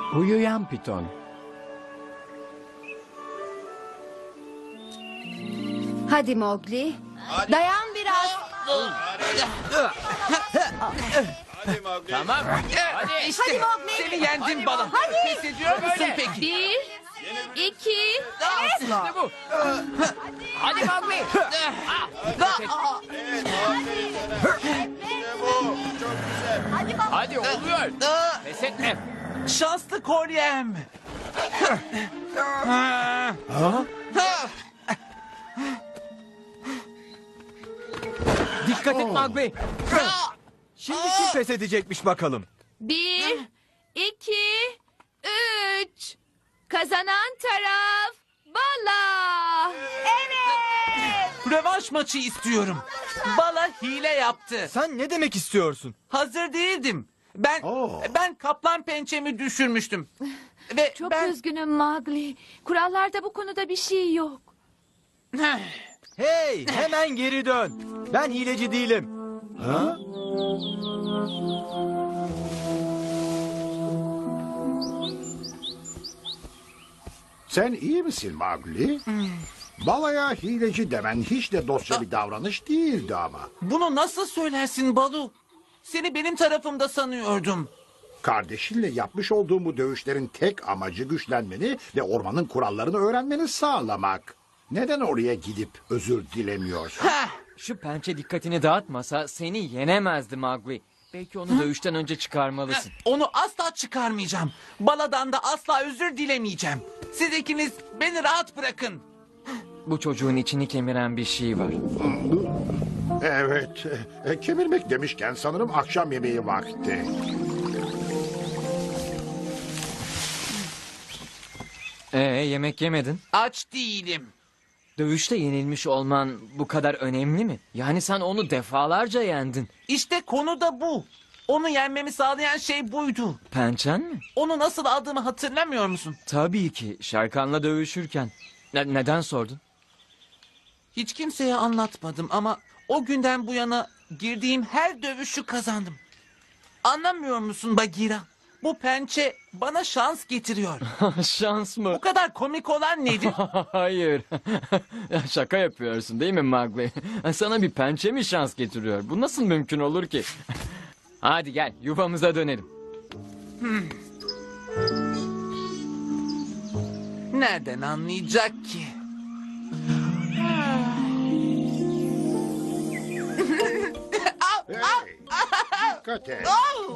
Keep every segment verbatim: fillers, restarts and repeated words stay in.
Uyuyan piton. Hadi Mowgli. Dayan biraz. Hadi Mowgli. Tamam. Hadi işte. Hadi Mowgli. Seni yendim bala. Hadi. Pes ediyor musun peki? Bir, iki, İşte bu. Hadi Mowgli. Evet, aferin sana. İşte bu. Çok güzel. Hadi oluyor. Pes etme. Şanslı kolyem. Dikkat et Mowgli. Şimdi kim pes edecekmiş bakalım. bir, iki, üç. Kazanan taraf Bala. Rövanş maçı istiyorum. Bala hile yaptı. Sen ne demek istiyorsun? Hazır değildim. Ben ben kaplan pençemi düşürmüştüm. Ve Çok ben üzgünüm Mowgli. Kurallarda bu konuda bir şey yok. Hey, hemen geri dön. Ben hileci değilim. Sen iyi misin Mowgli? Balaya hileci demen hiç de dostça bir davranış değildi ama. bunu nasıl söylersin Balu? Seni benim tarafımda sanıyordum. Kardeşinle yapmış olduğum bu dövüşlerin tek amacı güçlenmeni ve ormanın kurallarını öğrenmeni sağlamak. Neden oraya gidip özür dilemiyorsun? Heh, Şu pençe dikkatini dağıtmasa seni yenemezdi Mowgli. Belki onu dövüşten önce çıkarmalısın. onu asla çıkarmayacağım. Baladan da asla özür dilemeyeceğim. Siz ikiniz beni rahat bırakın. Bu çocuğun içini kemiren bir şey var. Evet, e, kemirmek demişken sanırım akşam yemeği vakti. Ee yemek yemedin. Aç değilim. Dövüşte yenilmiş olman bu kadar önemli mi? Yani sen onu defalarca yendin. İşte konu da bu. Onu yenmemi sağlayan şey buydu. Pençen mi? Onu nasıl aldığımı hatırlamıyor musun? Tabii ki Şerkan'la dövüşürken. Ne- neden sordun? Hiç kimseye anlatmadım ama o günden bu yana girdiğim her dövüşü kazandım. Anlamıyor musun Bagheera? Bu pençe bana şans getiriyor. Şans mı? Bu kadar komik olan nedir? Hayır. Ya şaka yapıyorsun değil mi Mowgli? Sana bir pençe mi şans getiriyor? Bu nasıl mümkün olur ki? Hadi gel yuvamıza dönelim. Nereden anlayacak ki? Hey, dikkat et.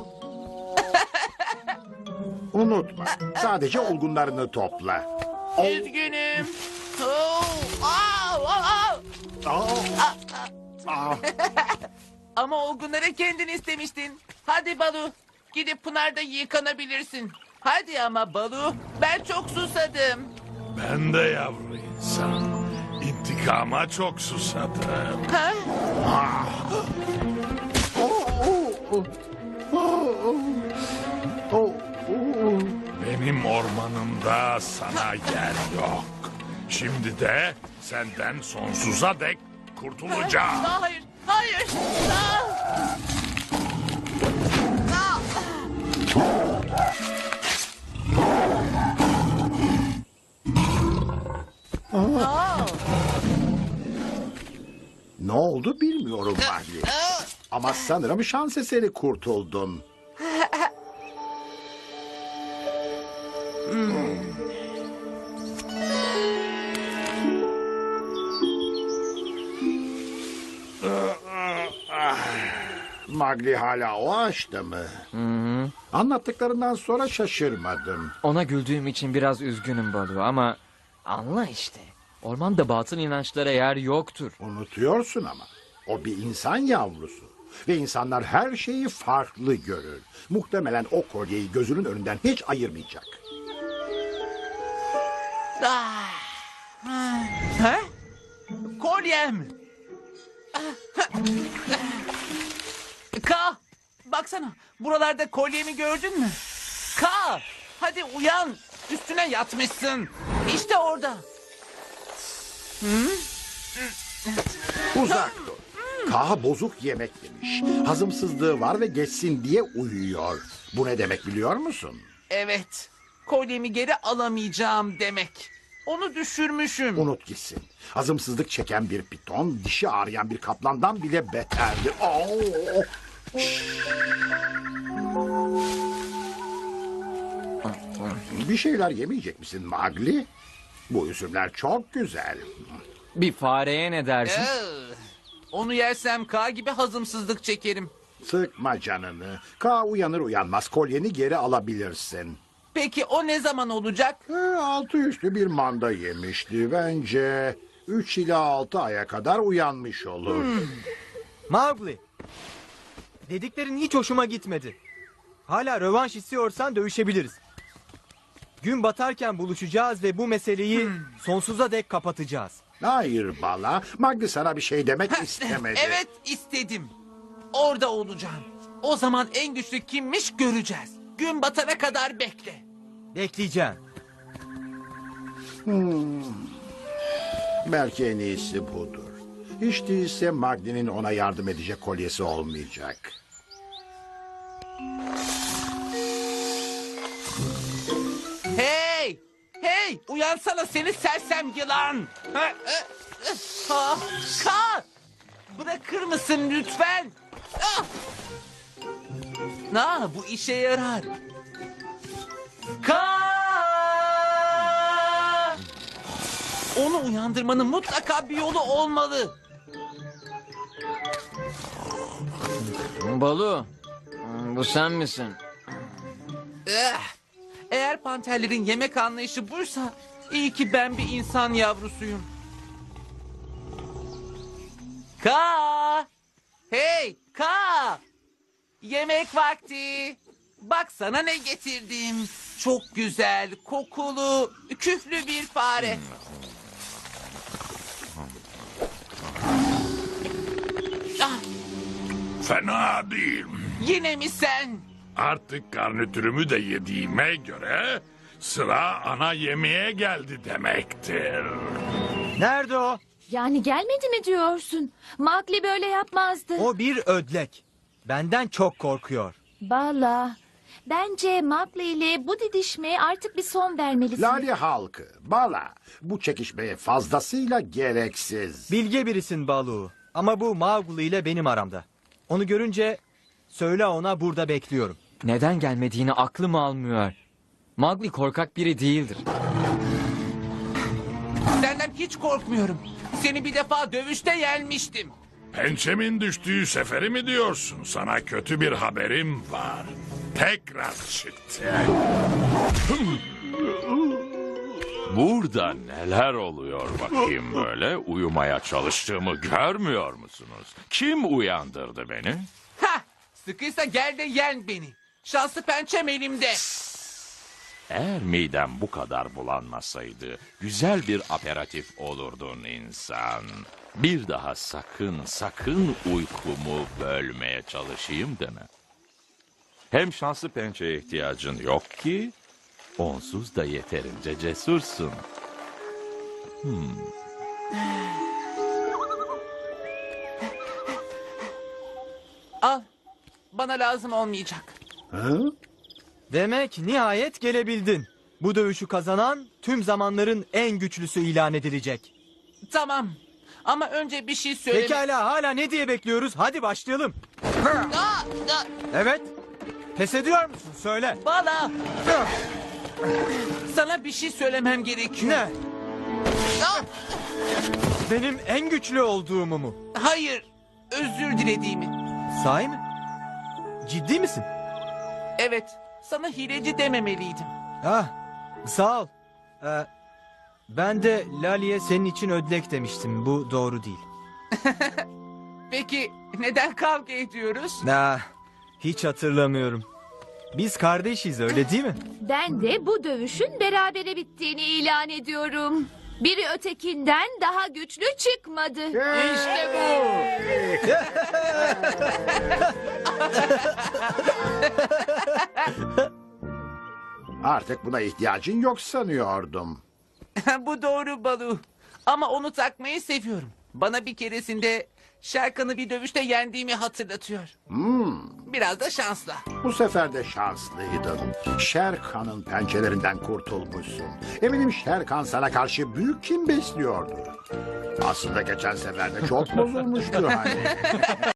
Unutma, sadece olgunlarını topla. Üzgünüm. Oo, aa, aa, aa. Aa, aa. Ama olgunlara kendin istemiştin. Hadi Balu, gidip Pınar'da yıkanabilirsin. Hadi ama Balu, ben çok susadım. Ben de yavru insan. İntikama çok susadım. Ha? Oh, oh. Benim ormanımda sana yer yok. Şimdi de senden sonsuza dek kurtulacağım. Aa, hayır, hayır. Aa! Aa! Ne oldu bilmiyorum Mowgli. Ama sanırım şans eseri kurtuldun. Mowgli hala o ağaçta mı? Anlattıklarından sonra şaşırmadım. Ona güldüğüm için biraz üzgünüm Balu ama anla işte. Ormanda batıl inançlara yer yoktur. Unutuyorsun ama. O bir insan yavrusu. Ve insanlar her şeyi farklı görür. Muhtemelen o kolyeyi gözünün önünden hiç ayırmayacak. Ah! Ha? Kolyem. Ka, baksana. Buralarda kolyemi gördün mü? Ka, hadi uyan. Üstüne yatmışsın. İşte orada. Uzak dur. Kaha bozuk yemek yemiş. Hazımsızlığı var ve geçsin diye uyuyor. Bu ne demek biliyor musun? Evet. kolyemi geri alamayacağım demek. Onu düşürmüşüm. Unut gitsin. Hazımsızlık çeken bir piton, dişi ağrıyan bir kaplandan bile beterdi. Oo! Bir şeyler yemeyecek misin Magli? Bu üzümler çok güzel. Bir fareye ne dersin? Ee, onu yersem K gibi hazımsızlık çekerim. Sıkma canını. Ka uyanır uyanmaz kolyeni geri alabilirsin. Peki o ne zaman olacak? Ee, altı üstü bir manda yemişti. Bence üç ila altı aya kadar uyanmış olur. Mowgli. Dediklerin hiç hoşuma gitmedi. Hala rövanş istiyorsan dövüşebiliriz. Gün batarken buluşacağız ve bu meseleyi sonsuza dek kapatacağız. Hayır Bala. Magli sana bir şey demek istemedi. Evet istedim. Orada olacağım. O zaman en güçlü kimmiş göreceğiz. Gün batana kadar bekle. Bekleyeceğim. Belki en iyisi budur. Hiç değilse Magli'nin ona yardım edecek kolyesi olmayacak. Hey! Hey! Uyansana seni sersem yılan! Ha, e, e, ha, Ka! Bırakır mısın lütfen? Ah! Na, bu işe yarar. Ka! Onu uyandırmanın mutlaka bir yolu olmalı. Balu, bu sen misin? Eh, Eğer panterlerin yemek anlayışı buysa iyi ki ben bir insan yavrusuyum. Ka! Hey Ka! Yemek vakti. Bak sana ne getirdim. Çok güzel, kokulu, küflü bir fare. Ah, Fena değil. yine mi sen? Artık garnitürümü de yediğime göre sıra ana yemeğe geldi demektir. Nerede o? Yani gelmedi mi diyorsun? Mowgli böyle yapmazdı. O bir ödlek. Benden çok korkuyor. Bala. Bence Mowgli ile bu didişmeye artık bir son vermelisin. Lale halkı, Bala, bu çekişmeye fazlasıyla gereksiz. Bilge birisin Balu. Ama bu Mowgli ile benim aramda. Onu görünce söyle ona burada bekliyorum. Neden gelmediğini aklım almıyor. Mowgli korkak biri değildir. Senden hiç korkmuyorum. Seni bir defa dövüşte yenmiştim. Pençemin düştüğü seferi mi diyorsun? Sana kötü bir haberim var. Tekrar çıktı. Burada neler oluyor bakayım böyle? Uyumaya çalıştığımı görmüyor musunuz? Kim uyandırdı beni? Ha! Sıkıysa gel de yen beni. Şanslı pençem elimde. Eğer midem bu kadar bulanmasaydı güzel bir aperatif olurdun insan. Bir daha sakın sakın uykumu bölmeye çalışayım deme. Hem şanslı pençeye ihtiyacın yok ki onsuz da yeterince cesursun. Al. Bana lazım olmayacak. Hı? Demek nihayet gelebildin. Bu dövüşü kazanan tüm zamanların en güçlüsü ilan edilecek. Tamam. Ama önce bir şey söyle. Pekala hala ne diye bekliyoruz? Hadi başlayalım. Aa, aa, Evet. Pes ediyor musun? Söyle. Bana. Sana bir şey söylemem gerekiyor. Ne? Aa, Benim en güçlü olduğumu mu? hayır. Özür dilediğimi. Sahi mi? Ciddi misin? Evet. Sana hileci dememeliydim. Ah, sağ ol. Ee, ben de Lali'ye senin için ödlek demiştim. Bu doğru değil. Peki neden kavga ediyoruz? Ah, hiç hatırlamıyorum. Biz kardeşiz öyle değil mi? Ben de bu dövüşün berabere bittiğini ilan ediyorum. Biri ötekinden daha güçlü çıkmadı. İşte bu. Artık buna ihtiyacın yok sanıyordum. Bu doğru Balu. Ama onu takmayı seviyorum. Bana bir keresinde Şerkan'ı bir dövüşte yendiğimi hatırlatıyor. Hmm, biraz da şansla. Bu sefer de şanslıydın. Şerkan'ın pençelerinden kurtulmuşsun. Eminim Şerkan sana karşı büyük kin besliyordu. Aslında geçen sefer de çok bozulmuştu hani.